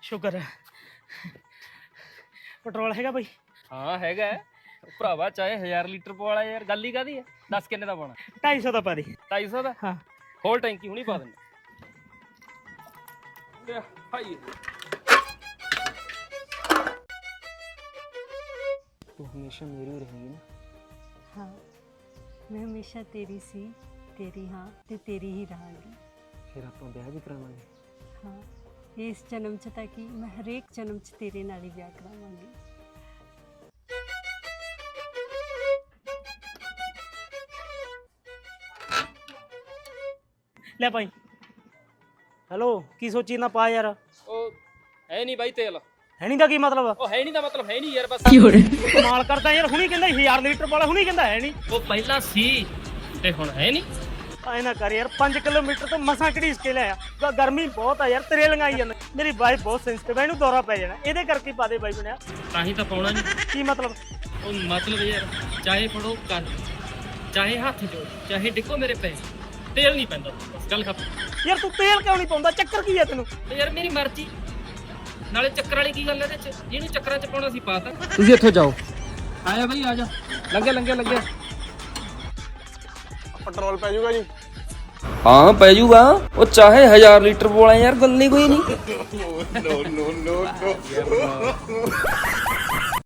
ਸ਼ੁਕਰ ਹੈ। ਪੈਟਰੋਲ ਹੈਗਾ ਬਾਈ? ਹਾਂ ਹੈਗਾ ਭਰਾਵਾ, ਚਾਹੇ 1000 ਲੀਟਰ ਪਵਾਲਾ ਯਾਰ, ਗੱਲ ਹੀ ਕਾਦੀ ਹੈ। ਦੱਸ ਕਿੰਨੇ ਦਾ ਪਾਉਣਾ? 250 ਦਾ ਪਾ ਦੇ। 250 ਦਾ? ਹਾਂ ਹੋਰ ਟੈਂਕੀ ਹੁਣੀ ਪਾ ਦਿੰਦਾ। ਹਾਈ ਤੂੰ ਹਮੇਸ਼ਾ ਮੇਰੀ ਰਹੇਗੀ ਨਾ? हाँ मैं हमेशा तेरी सी, तेरी हाँ ते तेरी ही रहांगी। ਫਿਰ ਆਪਾਂ ਵਿਆਹ ਵੀ ਕਰਾਵਾਂਗੇ। हाँ इस जन्म च ताकि मैं हरेक जन्म च तेरे नाल ही ब्याह करावांगी। ਲੈ ਭਾਈ। ਹੈਲੋ, ਕੀ ਸੋਚੀ ਨਾ ਪਾ ਯਾਰ। ਉਹ ਹੈ ਨਹੀਂ ਬਾਈ ਤੇਲ। ਹੈ ਨਹੀਂ ਦਾ ਕੀ ਮਤਲਬ? ਉਹ ਹੈ ਨਹੀਂ ਦਾ ਮਤਲਬ ਹੈ ਨਹੀਂ ਯਾਰ, ਬਸ ਕਮਾਲ ਕਰਦਾ ਯਾਰ। ਹੁਣੀ ਕਹਿੰਦਾ 1000 ਲੀਟਰ ਵਾਲਾ, ਹੁਣੀ ਕਹਿੰਦਾ ਹੈ ਨਹੀਂ। ਉਹ ਪਹਿਲਾਂ ਸੀ ਤੇ ਹੁਣ ਹੈ ਨਹੀਂ। ਐ ਨਾ ਕਰ ਯਾਰ, 5 ਕਿਲੋਮੀਟਰ ਤੋਂ ਮਸਾਂ ਘੜੀਸ ਕੇ ਲਿਆ। ਗਰਮੀ ਬਹੁਤ ਆ ਯਾਰ, ਤੇਰੇ ਲੰਗਾਈ ਜਾਂਦਾ। ਮੇਰੀ ਵਾਈਫ ਬਹੁਤ ਸੈਂਸਿਟਿਵ ਹੈ, ਇਹਨੂੰ ਦੌਰਾ ਪੈ ਜਾਣਾ। ਇਹਦੇ ਕਰਕੇ ਪਾ ਦੇ ਬਾਈ ਬਣਿਆ। ਤਾਂ ਹੀ ਤਾਂ ਪਾਉਣਾ ਨਹੀਂ। ਕੀ ਮਤਲਬ? ਉਹ ਮਤਲਬ ਯਾਰ, ਚਾਹੇ ਫੜੋ ਕੰਨ, ਚਾਹੇ ਹੱਥ ਜੋੜ, ਚਾਹੇ ਡਿੱਗੋ ਮੇਰੇ ਪੈ, ਤੇਲ ਨਹੀਂ ਪੈਂਦਾ। ਬਸ ਗੱਲ ਖਤਮ। ਯਾਰ ਤੂੰ ਤੇਲ ਕਿਉਂ ਨਹੀਂ ਪਾਉਂਦਾ? ਚੱਕਰ ਕੀ ਹੈ ਤੈਨੂੰ? ਤੇ ਯਾਰ ਮੇਰੀ ਮਰਜ਼ੀ। ਨਾਲੇ ਚੱਕਰ ਵਾਲੀ ਕੀ ਗੱਲ ਇਹਦੇ ਚ? ਜਿਹਨੂੰ ਚੱਕਰਾਂ ਚ ਪਾਉਣਾ ਸੀ ਪਾਤਾ। ਤੁਸੀਂ ਇੱਥੋਂ ਜਾਓ। ਆਇਆ ਬਈ ਆ ਜਾ। ਲੰਘਿਆ। ਪੈਟਰੋਲ ਪੈ ਜਾਊਗਾ ਜੀ? ਹਾਂ ਪੈ ਜੂਗਾ। ਉਹ ਚਾਹੇ 1000 ਲੀਟਰ ਪਵਾਲਾ ਯਾਰ, ਗੱਲ ਨਹੀਂ ਕੋਈ ਨਹੀਂ। No.